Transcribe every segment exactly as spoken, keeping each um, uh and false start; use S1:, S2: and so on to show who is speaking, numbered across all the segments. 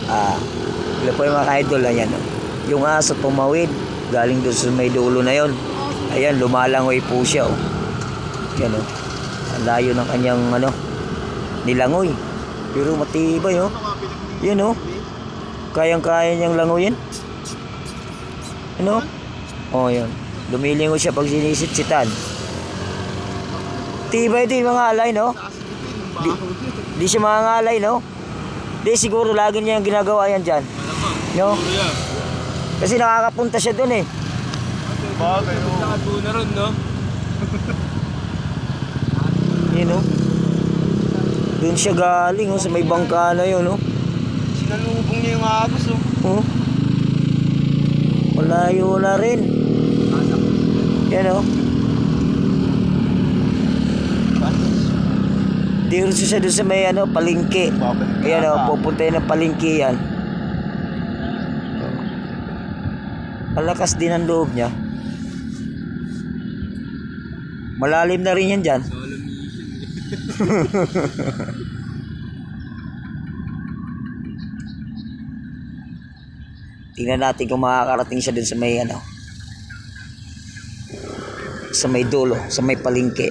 S1: Ah, ilo po yung mga ka-idol. Ayan, oh. Yung aso tumawid galing doon sa may dulo na yon. Ayan, lumalangoy po siya, oh. Yan, oh. Ang layo ng kanyang ano, nilangoy. Pero matibay, oh. Yan, oh. Kayang-kaya niyang langoyin. Ano? Oh, yan. Lumilingo siya pag sinisitsitan. Tibay din mga alay, no? Di, di siya mga alay, no? Di siguro lagi niya yung ginagawa yan dyan. No? Kasi nakakapunta siya dun eh.
S2: Bagay, no? Nakatuo na ron, no?
S1: Yun, no? Dun siya galing, oh, sa may bangka na yun, no?
S2: Sinalubong niya yung agos, oh.
S1: Oh. Malayo na rin. Yan, oh. Dito siya doon sa may ano, palengke. Ayan, oh, pupunta yun ng palengke yan. Malakas din ang loob niya. Malalim na rin yan dyan. Tingnan natin kung makakarating siya dun sa may ano, sa may dulo, sa may palengke.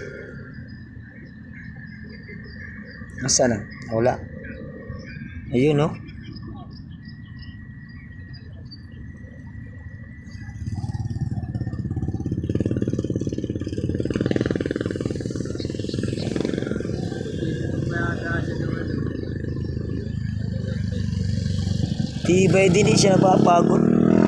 S1: Nasaan na? Wala. Ayun, no? Tibay din eh, siya napapagod.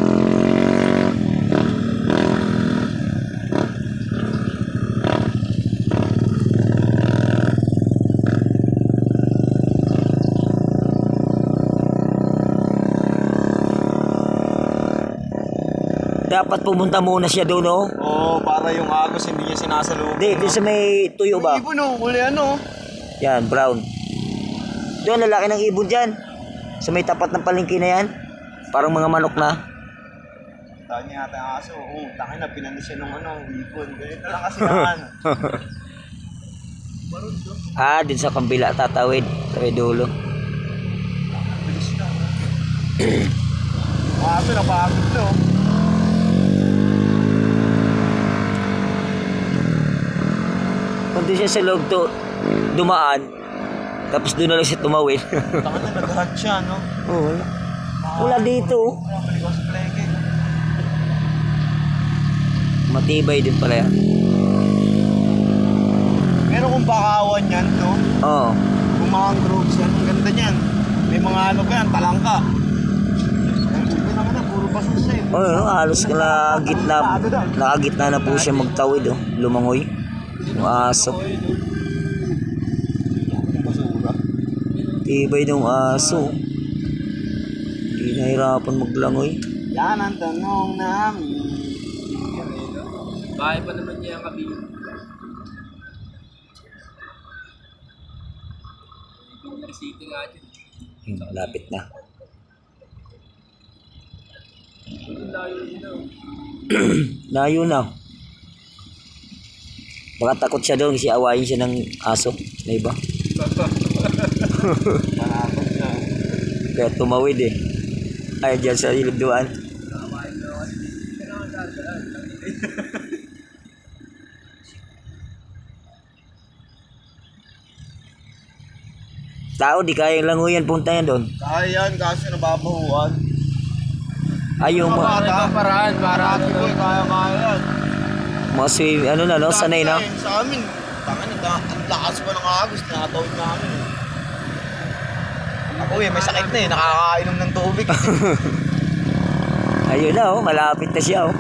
S1: Dapat pumunta muna siya doon, no?
S2: Oo, para yung agos hindi niya sinasalubong.
S1: Hindi, doon sa may tuyo ba?
S2: Yung ibon, oh. Uli ano.
S1: Yan, brown. Doon, lalaki ng ibon dyan. Sa may tapat ng palengke na yan. Parang mga manok na.
S2: Tahan niya yata ang aso. Oo, takin na, pinanis siya ng ano, ibon. Ganito lang kasi naman.
S1: Ah, din sa kambila, tatawid. Sa may dulo.
S2: Bilis na. Ang aso, napagod to.
S1: Kung doon siya sa loob to, dumaan, tapos doon na lang siya tumawid.
S2: Takan na, nag-hard siya, no?
S1: Oo, wala. Wala dito.
S2: Wala, balik ako sa pleke.
S1: Matibay din pala yan.
S2: Meron kong bakawan yan, no?
S1: Oo.
S2: Kung mga groups yan, ang ganda niyan. May mga ano pa yan, talangka. Ang ganda naman na, puro basos eh.
S1: Oo, oh, halos na gitna, nakagitna na po siya magtawid, oh. Lumangoy. Yung aso.
S2: Basura.
S1: Tibay ng aso. Hindi nahirapan maglangoy.
S2: Yan ang tanong namin.
S3: Bahay pa naman niya ang kabila. Yung city nga dyan.
S1: Hmm, malapit na.
S3: Layo na.
S1: Layo na. Baka takot siya doon kasi awayin siya ng aso na iba.
S2: Malapot siya.
S1: Kaya tumawid eh. Ay, dyan sa ilugduan. Tao, di kayang languyan, punta yan doon.
S2: Kaya yan, kaso nababahuan.
S1: Ay, yung mga,
S2: Bata, paraan, para ko kaya kaya yan.
S1: mga swim, ano na, no? Sanay na.
S2: Sa amin, tangan, ang lakas pa ng agos, nakatawid namin. Ako eh, may sakit na eh, nakakainom ng tubig.
S1: Ayun na, oh, malapit na siya, oh.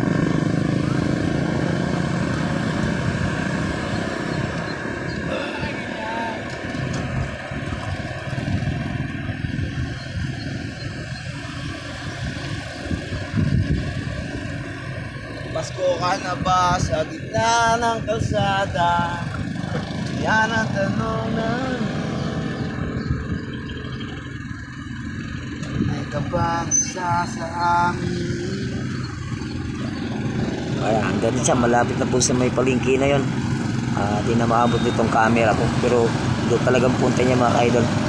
S2: Pasko ka na ba sa gitna ng kalsada? Yan ang tanong namin. May ka bang isa sa amin?
S1: Kaya hanggang siya, malapit na po sa may palengke na yun. Ah, di na maabot nitong camera ko. Pero doon talagang punta niya mga idol.